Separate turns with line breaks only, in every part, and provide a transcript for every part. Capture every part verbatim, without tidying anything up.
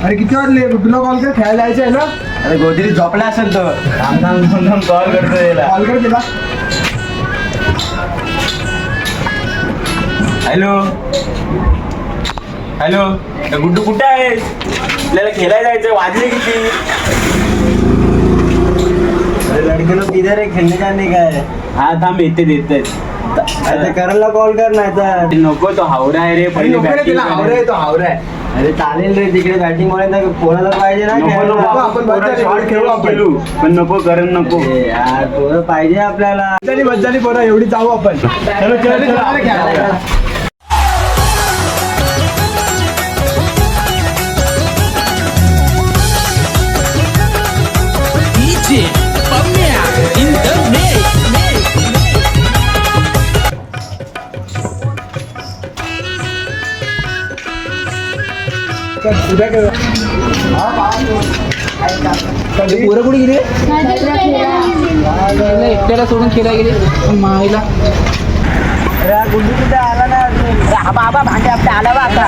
अरे किती वाजले तुला कॉल कर खेळायला जायचं आहे ना.
अरे गोदरी झोपला असेल तो थांब थांब थांब थांब कॉल करतो याला.
कॉल कर तिला.
हॅलो हॅलो गुड्डू कुठे आहे? आपल्याला खेळायला जायचं. वाजले किती? अरे लडके लोक किधर आहे? खेळणे जाणे काय? हा थांब येते देते. अरे करायला कॉल कर नाही तर नको. तो हावरा आहे रे. पहिले बॅटिंग
हावरा आहे तो हावरा आहे.
अरे चालेल रे तिकडे बॅटिंग मुळे कोणाला पाहिजे ना
आपण
शॉट खेळू आपण. पण नको करण नको यार. पोरं पाहिजे आपल्याला.
बज्जाली बज्जाली पोरं एवढी जाऊ आपण.
चलो चलो चलो.
पोरं कुठे गेली?
एकट्याला सोडून खेळायला गेली माईला.
अरे गुंडू कुठे आला ना अजून?
बाबा भांडे आपले आला बा आता.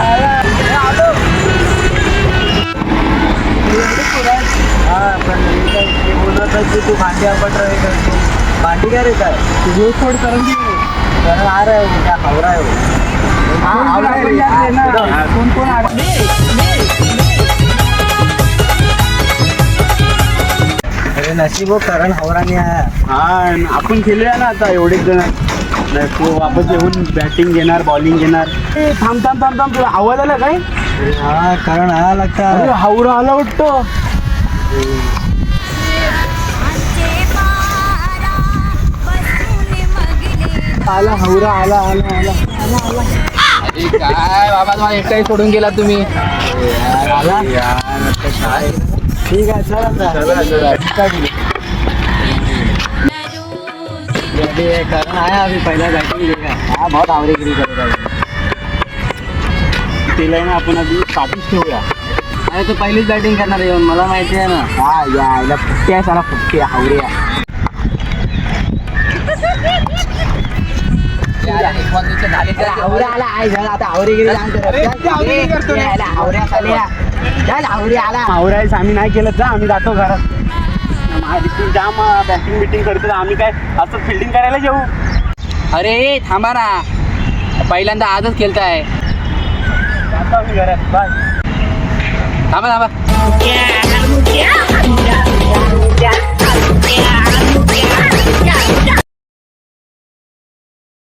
हा पण मी काय ते बोलत आहे की तू भांडी आपट रहे करतो. भांडी काय रे काय
तुझं थोड करून घे.
कारण आ रहा है वो क्या खवरा है वो.
कोण कोण
अरे नशीब हो करण हवराने आहे. हा आपण खेळूया ना आता एवढेच जण. नाही तो वापस येऊन बॅटिंग घेणार बॉलिंग घेणार. थांब थांब थांब थांब तुला आवाज आला काय? हा करण आला लागता. अरे हावरा आला वाटतं.
आला हावरा आला आला आला
अरे काय बाबा तुम्हाला एकटाही सोडून गेला तुम्ही.
आला काय ठीक आहे चल आता. करण आया अभी पहिला बॅटिंग घेगा. हा बहुत आवरेगिरी करेगा. तिला ना आपण आधी साठीच ठेवूया. अरे तो पहिलीच बॅटिंग करणार येऊन मला माहिती आहे ना. हा यायला फुटके आहे साला फुटके हावऱ्या.
हावरा आला आहे झाला आता आवरेगिरी हावऱ्या हावरी आला.
हावऱ्याच आम्ही नाही केलं जा. आम्ही जातो घरात. माझी जाम बॅटिंग बिटिंग करतो. आम्ही काय असं फिल्डिंग करायला जाऊ.
अरे थांबा ना पहिल्यांदा आजच खेळताय.
जातो आम्ही घरात. बाय.
थांबा थांबा.